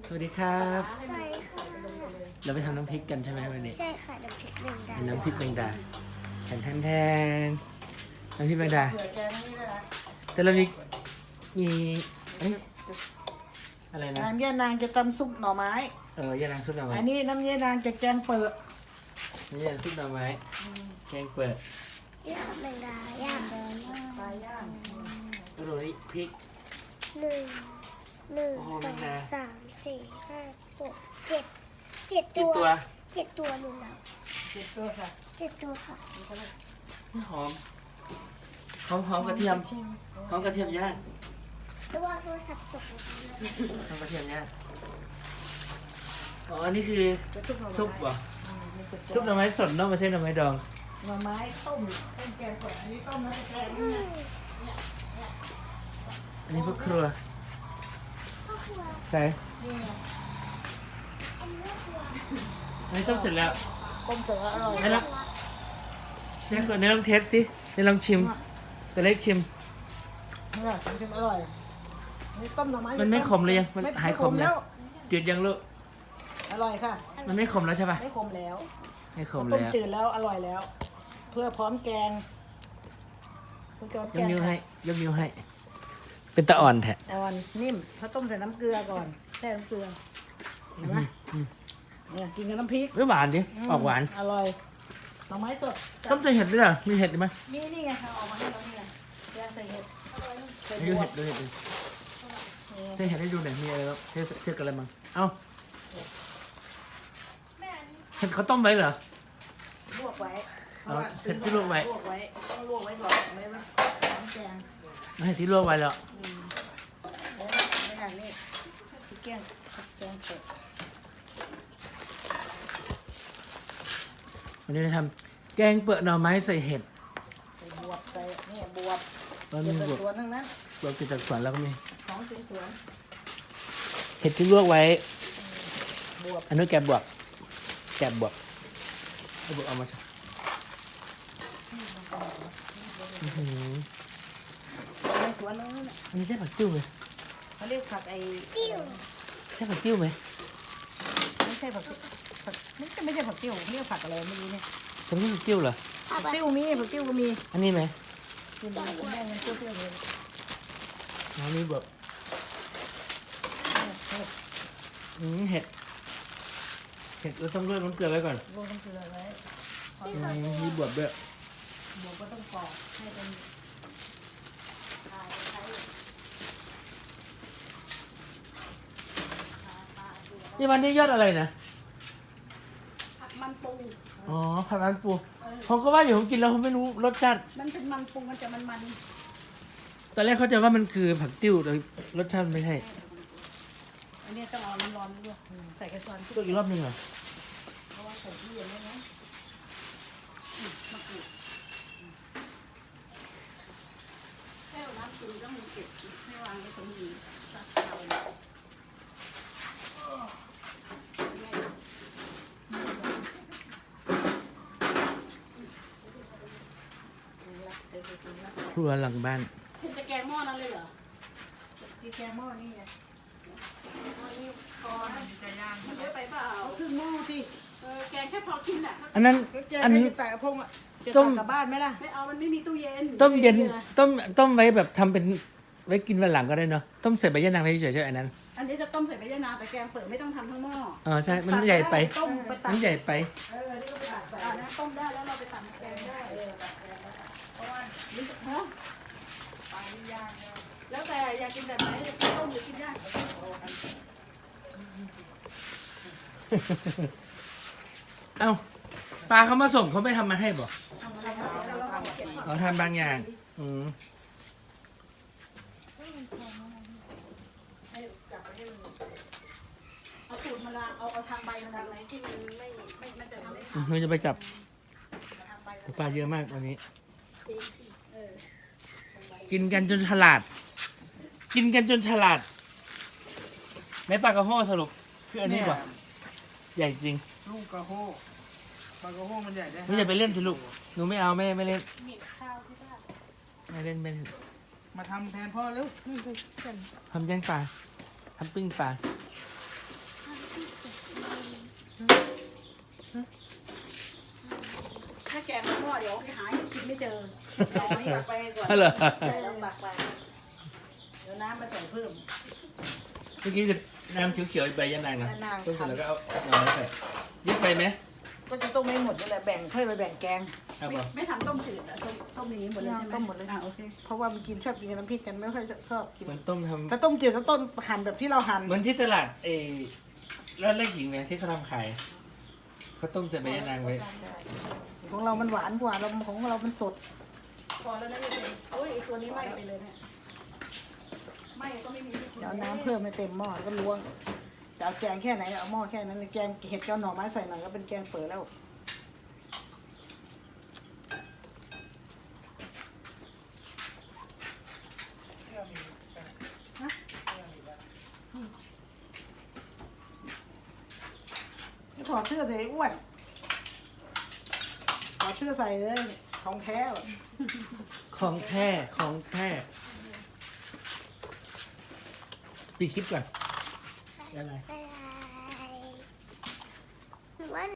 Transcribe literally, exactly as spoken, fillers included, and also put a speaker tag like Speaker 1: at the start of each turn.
Speaker 1: วัสดีครับ
Speaker 2: ใช่ค่ะ
Speaker 1: เราไปทำน้ำพริกกันใช่ไหมวันนี้
Speaker 2: ใช่ค่ะน้ำพริกแมงดา
Speaker 1: น้ำพริกแมงดาแทนแทนแทนน้ำพริกแมงดาแต่เรามีมีเอ้ยอะไรนะ
Speaker 3: น้ำยานางจะตำซุปหน่อไม้
Speaker 1: เออยานางซุปหน่อไม้
Speaker 3: อันนี้น้ำยานางจะแกงเปิด
Speaker 1: นี่ยานางซุปหน่อไม้แกงเปิด
Speaker 2: ย่างแมงดาย่าง
Speaker 3: ปลาย่าง
Speaker 1: แล้วดูนี่พริก
Speaker 2: หนึ่งหนึ่ง
Speaker 1: โอ้โห
Speaker 2: สอง
Speaker 1: แมงดา
Speaker 2: สามสี่ห้าหกเจ็ดเจ็ด
Speaker 1: กี่
Speaker 2: ตัว
Speaker 1: ตัว
Speaker 2: เจ็ดตัวหนูแล้ว
Speaker 3: เจ็ดตัวค่ะ
Speaker 2: เจ็ดตัวค่ะ
Speaker 1: หอมหอมหอมกระเทียมหอมกระเทียมย่าง
Speaker 2: ระวังโทรศัพท์ตกลงไปเลย
Speaker 1: หอมกระเทียมย่างอ๋ออันนี้คือ
Speaker 3: จะซุปหน่อไม้
Speaker 1: ซุปเหรอ
Speaker 3: อืมมีเจ็ดตัว
Speaker 1: ซุปหน่อไม้สดเนาะไม่ใช่หน่อไม้ดอง
Speaker 3: หน่อไม้ต้มต้มแกงเปิดอันนี้ต้มแล้วจะแกง
Speaker 2: อื
Speaker 3: นี่
Speaker 2: ม
Speaker 3: นะ
Speaker 1: อันนี้พวกครัว
Speaker 2: พ่อครัว
Speaker 1: ใช่
Speaker 3: นี่ไง
Speaker 2: อันนี้พ่อครัว
Speaker 1: อันนี้ต้มเสร็จแล้ว
Speaker 3: ต้มเสร็จแล้วอร่อย
Speaker 1: ได้แล้ว เนี่ยก่อนเนี่ยลองเทสสิเนี่ยลองชิมตัวเล็กชิม
Speaker 3: นี่แหละชิมๆอร่อยอันนี้ต้มหน่อไม้
Speaker 1: มันไม่ขมเลยยังมัน
Speaker 3: ไ
Speaker 1: หายขมแล้ว จืดยังลูก
Speaker 3: อร่อยค่ะ
Speaker 1: มันไม่ขมแล้วใช่ปะ
Speaker 3: ไม่ขมแล้ว
Speaker 1: ไม่ขม
Speaker 3: ต้ม
Speaker 1: แล้ว
Speaker 3: จืดแล้วอร่อยแล้ว เพื่อพร้อมแกงเพื่อพร้อม
Speaker 1: ย
Speaker 3: แก
Speaker 1: ก
Speaker 3: ง
Speaker 1: นิ้วให้ยกนิ้วให้ เป็นตะอ่อนแท้
Speaker 3: อ่อนนิ่มเขาต้มใส่น้ำเกลือก่อนแช่น้ำเกลือเห็นไหมเนี่ยกินกับน้ำพริก
Speaker 1: เฮ้ยหวานดิ
Speaker 3: ม
Speaker 1: ออกหวาน
Speaker 3: อร่อยหน่อไม้สด
Speaker 1: ต้มใส่เห็ดด้วยเหรอมีเห็ดไหม
Speaker 3: มีนี่ไงเอาออกมาให้เรานี่ไงแกงใส่เห็ดใส่
Speaker 1: ดู
Speaker 3: บว
Speaker 1: เห็
Speaker 3: บ
Speaker 1: ดดูเห็ดดู
Speaker 3: นี่
Speaker 1: ใส่เห็ดให้ดูหน่อยมีอะไรบ้างเทสเทสกันอะไรบ้างเอ้าเห็ดเขาต้มไว้เหรอ
Speaker 3: ลวกไว้
Speaker 1: เอาเห็ดที่ลวกไว้
Speaker 3: ลวกไว้ต้องลวกไว้ก่อนไม่ไว้น้ำแกง
Speaker 1: ไม่เห็ดที่ลวกไว้แล้ว
Speaker 3: อืมแล้วไม่อย่างนี้ชิคเก้นแกงเผ็ด
Speaker 1: วันนี้เราทำแกงเปิดหน่อไม้ใส่เห็ด
Speaker 3: ใส่บวบใส่เนี่ยบวบ
Speaker 1: แล้ว
Speaker 3: บ
Speaker 1: มี
Speaker 3: ว
Speaker 1: บว
Speaker 3: บบ สวนทั้งนั้น
Speaker 1: บวบกินจากสวนแล้วก็มี
Speaker 3: ของสวนสวน
Speaker 1: เห็ดที่ลวกไว้
Speaker 3: บวบ
Speaker 1: อันนู้นแกะบวกแกะบวกเอาบวกเอามาใส่อื้อหือ
Speaker 3: ในสวนทั้งนั้นน่ะ
Speaker 1: อันนี้ใช่ผักติ้วไหม
Speaker 3: เขาเรียกผักไอ้
Speaker 2: ติ้ว
Speaker 1: ใช่ผักติ้วไหม
Speaker 3: ไม่ใช่ผักผักไม่ใช่ไม่ใช่ผักติ้วเรียกผักอะไรไม่รู้เนี่ย
Speaker 1: ฉันไม่ผักติ้วเหรอ
Speaker 3: ผักติ้วมีผักติ้วก็มี
Speaker 1: อันนี้ไหม
Speaker 3: กินได้กินได้มันเปรี้ยวๆเลย
Speaker 1: อ๋อนี่แบบอืมเห็ด เห็ดเราต้องลวกน้ำเกลือไว้ก่อน
Speaker 3: ลงน้ำเกลือไว้
Speaker 1: อืมมีบวบด้วย
Speaker 3: บวบก็ต้องปอกให้เป็น
Speaker 1: นี่มันนี่ยอดอะไรนะ
Speaker 3: ผักมันปู
Speaker 1: อ๋อผัดมันปูผมก็ว่าอยู่ผมกินแล้วผมไม่รู้รสชาติ
Speaker 3: มันเป็นมันปูมันจะมันมัน
Speaker 1: ตอนแรกเข้าใจว่ามันคือผักติ้วแต่รสชาติมันไม่ใช่
Speaker 3: อันนี้ต้องเอาน้ำร้อนด้วยอืมใส่กระชอน
Speaker 1: ลวกอีกรอบหนึงเหรอ
Speaker 3: เพราะว่าใส่ที่เย็นแล้วนะอืมมะกรูดอืมแค่น้ำปูต้องมีเก็บให้วางไว้ตรงนี้ตักเอาเลย
Speaker 1: ครัวหลังบ้าน
Speaker 3: คุณจะแกงหม้อนั้นเลยเหรอที่แกงหม้อนี่ไงหม้อนี่พอนะจะย่างมันเยอะไปเปล่าเอาครึ่งหม้อสิเออแกงแค่พอกินอ่ะ
Speaker 1: อันนั้น
Speaker 3: แกง
Speaker 1: อัน
Speaker 3: ให้
Speaker 1: นี้
Speaker 3: อยู่ใส่กระพงอ่ะจะ
Speaker 1: ต้
Speaker 3: ตั
Speaker 1: ม
Speaker 3: กกลับบ้านไหมล่ะไม่เอามันไม่มีตู้เย็น
Speaker 1: ต้มเย็น
Speaker 3: ไไ
Speaker 1: ต้มต้มไว้แบบทำเป็นไว้กินวันหลังก็ได้เนาะต้มใส่ใบยะนางไปเฉยๆใช่ไหมอันนั้น
Speaker 3: อันนี้จะต้มใส่ใบยะนางแต่แกงเปิดไม่ต้องทำทั้งหม้อ
Speaker 1: อ๋อใช่มันใหญ่ไป
Speaker 3: ต้มไปตั
Speaker 1: มัน
Speaker 3: ก
Speaker 1: ใหญ่ไป
Speaker 3: เออนี่ก็ไปตักใส่อันนั้นต้มได้แล้วเราไปตักแกงได้เออตักแกงได้เพราะว่านี่ฮะปลานี่ย่างเนี่ยแล้วแต่อยากกินแบบไหนต้มหรือกินย่าง
Speaker 1: เอ้าปลาเขามาส่งเขาไม่ทำมาให้บ่
Speaker 3: ทำอะไรแล้วเราเอาเก็บ
Speaker 1: เขาทำบางอย่างอืม
Speaker 3: ให้จับไปให้มันเอาสูตรมาละเอาเอาทางใบมาละอะไรที่มันไม่ไม่มันจะทำให้ขาด
Speaker 1: หนูจะไปจับ
Speaker 3: ทางใบ
Speaker 1: ปลาเยอะมากวันนี้
Speaker 3: เออ
Speaker 1: กินกันจนฉลาด กินกันจนฉลาดแม่ปลากระโห้สรุปคืออันนี้กว่าใหญ่จริง
Speaker 4: ลูกกระโฮกปลากระโฮกมันใหญ่ได้
Speaker 1: หนูอย่าไปเล่นสิลูกหนูไม่เอาไม่ไม่เล่น
Speaker 3: มีข้าวที่บ้าน
Speaker 1: ไม่เล่นไม่เล่น
Speaker 4: มาทำแทนพ่อแล้ว
Speaker 1: ทำย่างปลาทำปิ้งปลา
Speaker 3: อเดี๋ยวหาให้กินไม่เจอเอาอันนี้ตักไปก่อน
Speaker 1: เหรอ
Speaker 3: ใส่แล้วตักไปเดี๋ยวน้ำมาใส่เพิ่ม
Speaker 1: เมื่อกี้จะน้ำเขียวๆใบยะนางนะ
Speaker 3: ยะนาง
Speaker 1: ต้มเสร็จแล้วก็เอาหน่อไม้ใส่เยอะไปไหม
Speaker 3: ก็จะต้มไม่หมดนี่แหละแบ่งเพื่อไปแบ่งแกง
Speaker 1: ครับ
Speaker 3: ไม่
Speaker 1: ผม
Speaker 3: ไม่ทำต้มจืดอะต้มต้มอย่างนี้หมดเลยใช่ไหม
Speaker 2: ต้มหมดเลย
Speaker 3: อ่ะโอเคเพราะว่ามันกินชอบกินกับน้ำพริกกันไม่ค่อยชอบกิน
Speaker 1: เหมือนต้มทำ
Speaker 3: ถ้าต้มจืดก็ต้มหั่นแบบที่เราหั่น
Speaker 1: เหมือนที่ตลาดเอร้านแรกหญิงเนี่ยที่เขาทำขายเขาต้มใส่ใบยะนางไว้
Speaker 3: ของเรามันหวานกว่าเราของเรามันสดพอแล้วนะเนี่ยโอ้ยไอ้ตัวนี้ไหม้ไปเลยเนี่ยไหม้ก็ไม่มีเดี๋ยวเอาน้ำเพิ่มให้เต็มหม้อแล้วก็ล้วงจะเอาแกงแค่ไหนเอาหม้อแค่นั้นเลยแกงเห็ดกับหน่อไม้ใส่หน่อยก็เป็นแกงเปิดแล้วไม่ถอดเสื้อเลยอ้วนถอดเสื้อใส่เลยของแท้แบบ
Speaker 1: ของแท้ของแท้ปิดคลิปก่อนอะไร
Speaker 2: ไปวัน